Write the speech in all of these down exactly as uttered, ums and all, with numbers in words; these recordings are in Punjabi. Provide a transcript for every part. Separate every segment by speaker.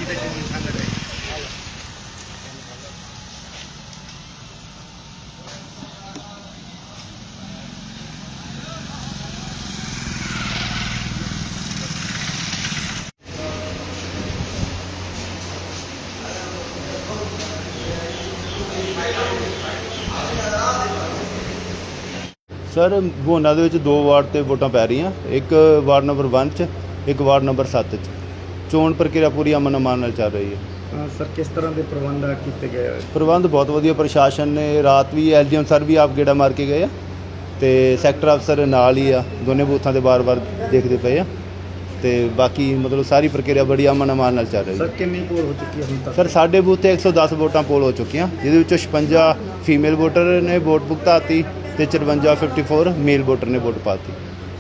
Speaker 1: सर भोना दे विच दो वार्ड ते वोटां पै रहीआं, एक वार्ड नंबर वन च, एक वार्ड नंबर सत्त च। चोण प्रक्रिया पूरी अमन अमान नाल चल रही है।
Speaker 2: सर किस तरह के प्रबंध किए गए?
Speaker 1: प्रबंध बहुत वधिया, प्रशासन ने रात भी एल डी एम सर भी आप गेड़ा मार के गए तो सैक्टर अफसर नाल ही आ, दोनों बूथों से बार बार देखते पे आ ते बाकी मतलब सारी प्रक्रिया बड़ी अमन अमान नाल चल रही है।
Speaker 2: सर कितनी पोल हो चुकी है हुण तक?
Speaker 1: सर साढ़े बूथ ते एक सौ दस वोटां पोल हो चुकियां, जिहदे छप्पन फीमेल वोटर ने वोट भुगताती ते चरवंजा फिफ्टी फोर मेल वोटर ने वोट पाती।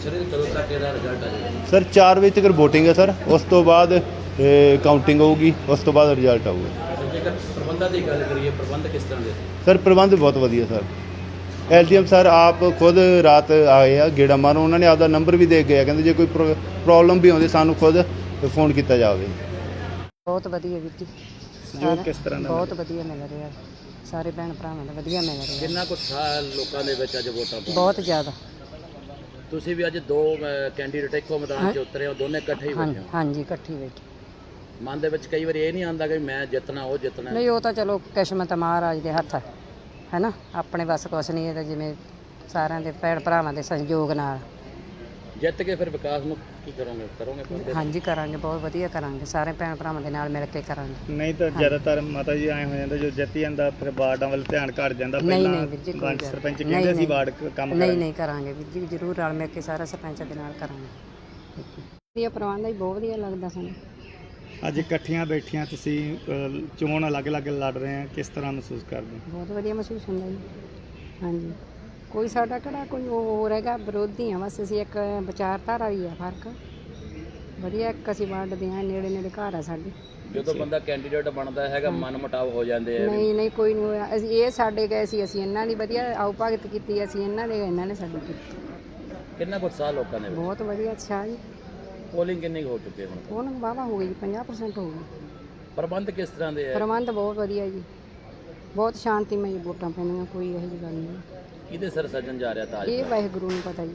Speaker 1: सर चार बजे तक वोटिंग है सर, उस तो बाद काउंटिंग होगी, उस तो बाद रिजल्ट आऊगा। सर प्रबंध बहुत वधिया sir, L D M sir आप खुद रात आए आ गेड़ा मारो, उन्होंने आपका नंबर भी दे गया, कहते जो कोई प्रॉब्लम भी आती सानू खुद फोन किया जाए।
Speaker 3: बहुत वधिया वीर जी,
Speaker 2: सहयोग किस तरह का?
Speaker 3: बहुत वधिया मिल रहा, सारे भैन भरावां दा वधिया मिल रहा।
Speaker 4: कितना कुछ लोगों के विच अज वोटां
Speaker 3: बहुत ज़्यादा।
Speaker 4: तुसीं भी अज दो कैंडीडेट इक्को मैदान च उतरे हो, दोनों इकट्ठे ही बैठे हो?
Speaker 3: हाँ जी इकट्ठी बैठे।
Speaker 4: मन दे विच कई बार ये नहीं आंदा कि मैं जितना वो जितना
Speaker 3: नहीं, वो तो चलो किस्मत महाराज के हत्थ है ना, अपने बस कुछ नहीं है, जिवें सारिਆਂ ਦੇ ਭੈਣ ਭਰਾਵਾਂ ਦੇ ਸਹਿਯੋਗ ਨਾਲ
Speaker 4: ਜਿੱਤ ਕੇ ਫਿਰ ਵਿਕਾਸ ਨੂੰ ਕੀ ਕਰੋਗੇ ਕਰੋਗੇ?
Speaker 3: ਹਾਂਜੀ ਕਰਾਂਗੇ, ਬਹੁਤ ਵਧੀਆ ਕਰਾਂਗੇ, ਸਾਰੇ ਭੈਣ ਭਰਾਵਾਂ ਦੇ ਨਾਲ ਮਿਲ ਕੇ ਕਰਾਂਗੇ।
Speaker 2: ਨਹੀਂ ਤਾਂ ਜ਼ਿਆਦਾਤਰ ਮਾਤਾ ਜੀ ਐਂ ਹੋ ਜਾਂਦਾ ਜੋ ਜਿੱਤੀ ਜਾਂਦਾ ਫਿਰ ਵਾਰਡਾਂ ਵੱਲ ਧਿਆਨ ਘੱਟ ਜਾਂਦਾ। ਪਹਿਲਾਂ ਪੰਚ ਸਰਪੰਚ ਕਹਿੰਦੇ ਸੀ ਵਾਰਡ ਕੰਮ
Speaker 3: ਨਹੀਂ ਨਹੀਂ ਕਰਾਂਗੇ ਵੀਰ ਜੀ, ਜ਼ਰੂਰ ਰਲ ਮਿਲ ਕੇ ਸਾਰਾ ਸਰਪੰਚਾਂ ਦੇ ਨਾਲ ਕਰਾਂਗੇ। ਵਧੀਆ ਪ੍ਰਬੰਧ ਹੈ, ਬਹੁਤ ਵਧੀਆ ਲੱਗਦਾ ਸਾਨੂੰ।
Speaker 2: ਅੱਜ ਇਕੱਠੀਆਂ ਬੈਠੀਆਂ ਤੁਸੀਂ ਚੋਣ ਅਲੱਗ-ਅਲੱਗ ਲੜ ਰਹੇ ਆ, ਕਿਸ ਤਰ੍ਹਾਂ ਮਹਿਸੂਸ ਕਰਦੇ ਹੋ?
Speaker 3: ਬਹੁਤ ਵਧੀਆ ਮਹਿਸੂਸ ਹੁੰਦਾ ਜੀ। ਹਾਂਜੀ, ਕੋਈ ਸਾਡਾ ਕਿਹੜਾ ਕੋਈ ਉਹ ਹੋਰ ਹੈਗਾ, ਵਿਰੋਧੀ ਹਾਂ ਬਸ ਅਸੀਂ, ਇੱਕ ਵਿਚਾਰਧਾਰਾ ਵੀ ਆ ਫਰਕ। ਵਧੀਆ ਇੱਕ ਅਸੀਂ ਵੰਡਦੇ ਹਾਂ, ਨੇੜੇ ਨੇੜੇ ਘਰ ਆ ਸਾਡੇ।
Speaker 4: ਜਦੋਂ ਬੰਦਾ ਕੈਂਡੀਡੇਟ ਬਣਦਾ ਹੈਗਾ ਮਨ ਮੁਟਾਵ ਹੋ ਜਾਂਦੇ ਆ?
Speaker 3: ਨਹੀਂ ਨਹੀਂ ਕੋਈ ਨਹੀਂ ਹੋਇਆ, ਅਸੀਂ ਇਹ ਸਾਡੇ ਗਏ ਸੀ, ਅਸੀਂ ਇਹਨਾਂ ਦੀ ਵਧੀਆ ਆਓ ਭਗਤ ਕੀਤੀ, ਅਸੀਂ ਇਹਨਾਂ ਦੇ ਇਹਨਾਂ ਨੇ ਸਾਡੀ ਕੀਤੀ।
Speaker 4: ਕਿੰਨਾ ਕੁ ਉਤਸ਼ਾਹ ਲੋਕਾਂ ਦੇ ਵਿੱਚ?
Speaker 3: ਬਹੁਤ ਵਧੀਆ, ਅੱਛਾ ਜੀ।
Speaker 4: ਪੋਲਿੰਗ ਕਿੰਨੀ ਹੋ ਚੁੱਕੀ ਹੈ ਹੁਣ?
Speaker 3: ਹੁਣ ਵਾਹਵਾ ਹੋ ਗਈ ਜੀ, ਪੰਜਾਹ ਪਰਸੈਂਟ ਹੋ ਗਈ।
Speaker 4: ਪ੍ਰਬੰਧ ਕਿਸ ਤਰ੍ਹਾਂ ਦੇ ਹੈ?
Speaker 3: ਪ੍ਰਬੰਧ ਬਹੁਤ ਵਧੀਆ ਜੀ, ਬਹੁਤ ਸ਼ਾਂਤੀਮਈ ਵੋਟਾਂ ਪੈਣੀਆਂ, ਕੋਈ ਇਹੋ ਜਿਹੀ ਗੱਲ ਨਹੀਂ।
Speaker 4: ਕਿਹਦੇ ਸਿਰ ਸੱਜਣ ਜਾ ਰਿਹਾ ਤਾਜ?
Speaker 3: ਇਹ ਵਾਹਿਗੁਰੂ ਨੂੰ ਪਤਾ ਜੀ।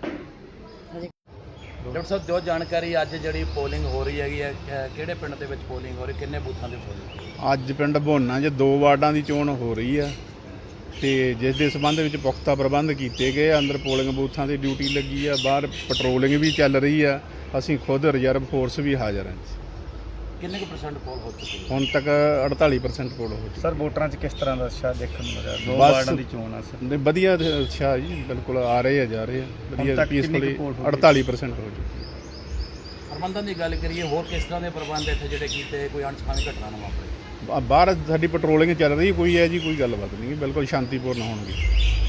Speaker 4: ਡਾਕਟਰ ਸਾਹਿਬ ਜੋ ਜਾਣਕਾਰੀ ਅੱਜ ਜਿਹੜੀ ਪੋਲਿੰਗ ਹੋ ਰਹੀ ਹੈਗੀ ਹੈ, ਕਿਹੜੇ ਪਿੰਡ ਦੇ ਵਿੱਚ ਪੋਲਿੰਗ ਹੋ ਰਹੀ, ਕਿੰਨੇ ਬੂਥਾਂ ਦੇ ਪੋਲਿੰਗ?
Speaker 1: ਅੱਜ ਪਿੰਡ ਭੋਨਾ 'ਚ ਦੋ ਵਾਰਡਾਂ ਦੀ ਚੋਣ ਹੋ ਰਹੀ ਆ ਤੇ ਜਿਸ ਦੇ ਸੰਬੰਧ ਵਿੱਚ ਪੁਖਤਾ ਪ੍ਰਬੰਧ ਕੀਤੇ ਗਏ। ਅੰਦਰ ਪੋਲਿੰਗ ਬੂਥਾਂ ਦੀ ਡਿਊਟੀ ਲੱਗੀ ਆ, ਬਾਹਰ ਪੈਟਰੋਲਿੰਗ ਵੀ ਚੱਲ ਰਹੀ ਆ, ਅਸੀਂ ਖੁਦ ਰਿਜ਼ਰਵ ਫੋਰਸ ਵੀ ਹਾਜ਼ਰ ਹਾਂ।
Speaker 4: ਕਿੰਨੇ ਕੁ ਪਰਸੈਂਟ ਪੋਲ ਹੋ ਚੁੱਕੀ ਹੈ
Speaker 1: ਹੁਣ ਤੱਕ? ਅੜਤਾਲੀ ਪਰਸੈਂਟ ਪੋਲ ਹੋ ਚੁੱਕੀ।
Speaker 2: ਸਰ ਵੋਟਰਾਂ 'ਚ ਕਿਸ ਤਰ੍ਹਾਂ ਦਾ ਉਤਸ਼ਾਹ ਦੇਖਣ ਨੂੰ ਮਿਲਿਆ? ਦੋ ਵਾਰਡਾਂ ਦੀ ਚੋਣ ਆ ਸਰ।
Speaker 1: ਨਹੀਂ ਵਧੀਆ ਅੱਛਾ ਜੀ, ਬਿਲਕੁਲ ਆ ਰਹੇ ਆ ਜਾ ਰਹੇ ਆ ਵਧੀਆ ਪੀਸਫੁਲੀ। ਅੜਤਾਲੀ ਪਰਸੈਂਟ ਹੋ ਚੁੱਕੀ।
Speaker 4: ਪ੍ਰਬੰਧਾਂ ਦੀ ਗੱਲ ਕਰੀਏ, ਹੋਰ ਕਿਸ ਤਰ੍ਹਾਂ ਦੇ ਪ੍ਰਬੰਧ ਇੱਥੇ ਜਿਹੜੇ ਕੀਤੇ, ਕੋਈ ਅਣਸਖਾਵੀ ਘਟਨਾ ਨਾ ਵਾਪਰੇ?
Speaker 1: ਬਾਹਰ ਸਾਡੀ ਪੈਟਰੋਲਿੰਗ ਚੱਲ ਰਹੀ, ਕੋਈ ਹੈ ਜੀ ਕੋਈ ਗੱਲਬਾਤ ਨਹੀਂ, ਬਿਲਕੁਲ ਸ਼ਾਂਤੀਪੂਰਨ ਹੋਣਗੇ।